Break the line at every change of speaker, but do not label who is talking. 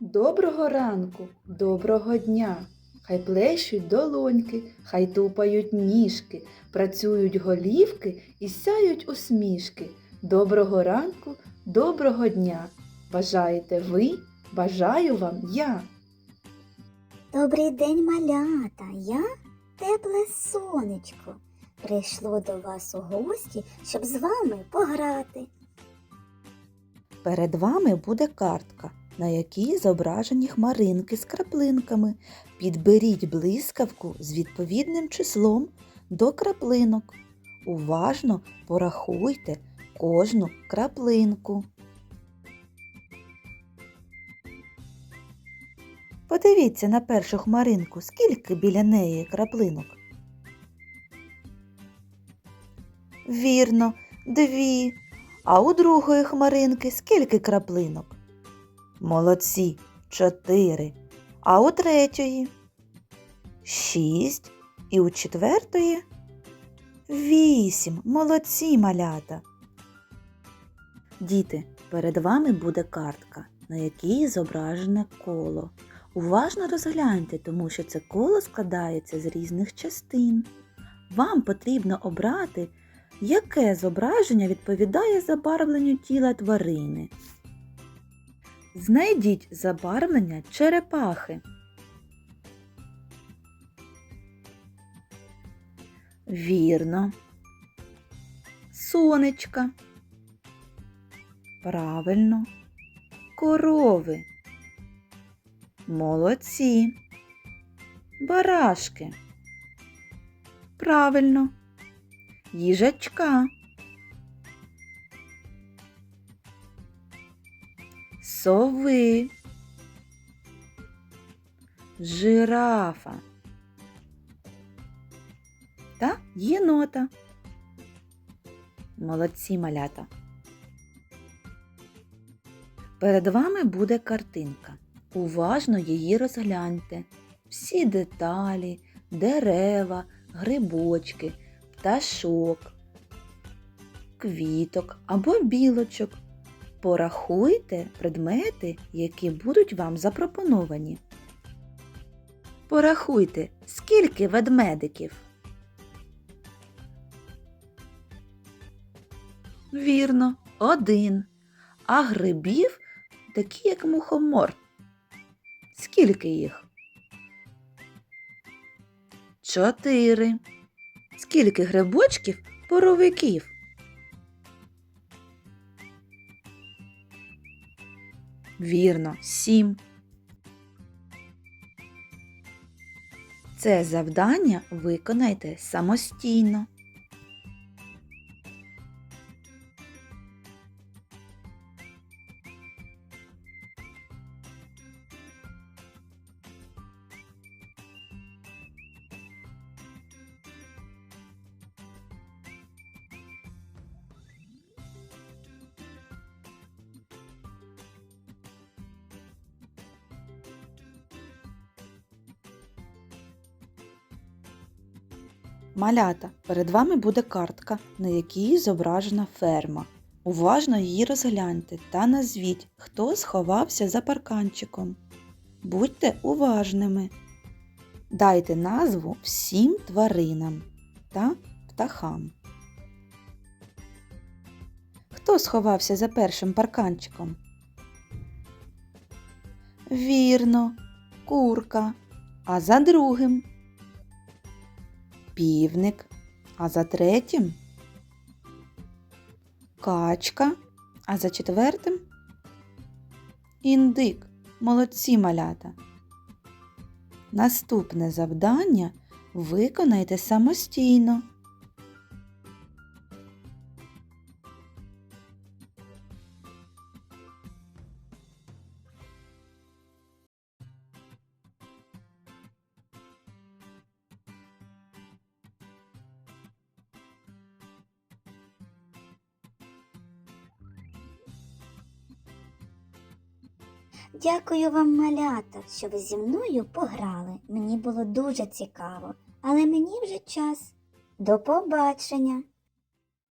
Доброго ранку, доброго дня! Хай плещуть долоньки, хай тупають ніжки, працюють голівки і сяють усмішки. Доброго ранку, доброго дня! Бажаєте ви, бажаю вам я!
Добрий день, малята! Я тепле сонечко. Прийшло до вас у гості, щоб з вами пограти.
Перед вами буде картка, на якій зображені хмаринки з краплинками. Підберіть блискавку з відповідним числом до краплинок. Уважно порахуйте кожну краплинку. Подивіться на першу хмаринку, скільки біля неї краплинок. Вірно, 2. А у другої хмаринки скільки краплинок? Молодці, 4. А у третьої? 6. І у четвертої? 8. Молодці, малята. Діти, перед вами буде картка, на якій зображене коло. Уважно розгляньте, тому що це коло складається з різних частин. Вам потрібно обрати, яке зображення відповідає забарвленню тіла тварини. Знайдіть забарвлення черепахи. Вірно. Сонечка. Правильно. Корови. Молодці. Барашки. Правильно. Їжачка. Сови. Жирафа. Та єнота. Молодці, малята. Перед вами буде картинка. Уважно її розгляньте. Всі деталі, дерева, грибочки, пташок, квіток або білочок. Порахуйте предмети, які будуть вам запропоновані. Порахуйте, скільки ведмедиків. Вірно, 1. А грибів такі, як мухомор. Скільки їх? 4. Скільки грибочків боровиків? Вірно, 7. Це завдання виконайте самостійно. Малята, перед вами буде картка, на якій зображена ферма. Уважно її розгляньте та назвіть, хто сховався за парканчиком. Будьте уважними. Дайте назву всім тваринам та птахам. Хто сховався за першим парканчиком? Вірно, курка. А за другим? Півник, а за третім качка, а за четвертим індик. Молодці, малята. Наступне завдання виконайте самостійно.
Дякую вам, малята, що ви зі мною пограли. Мені було дуже цікаво, але мені вже час. До побачення!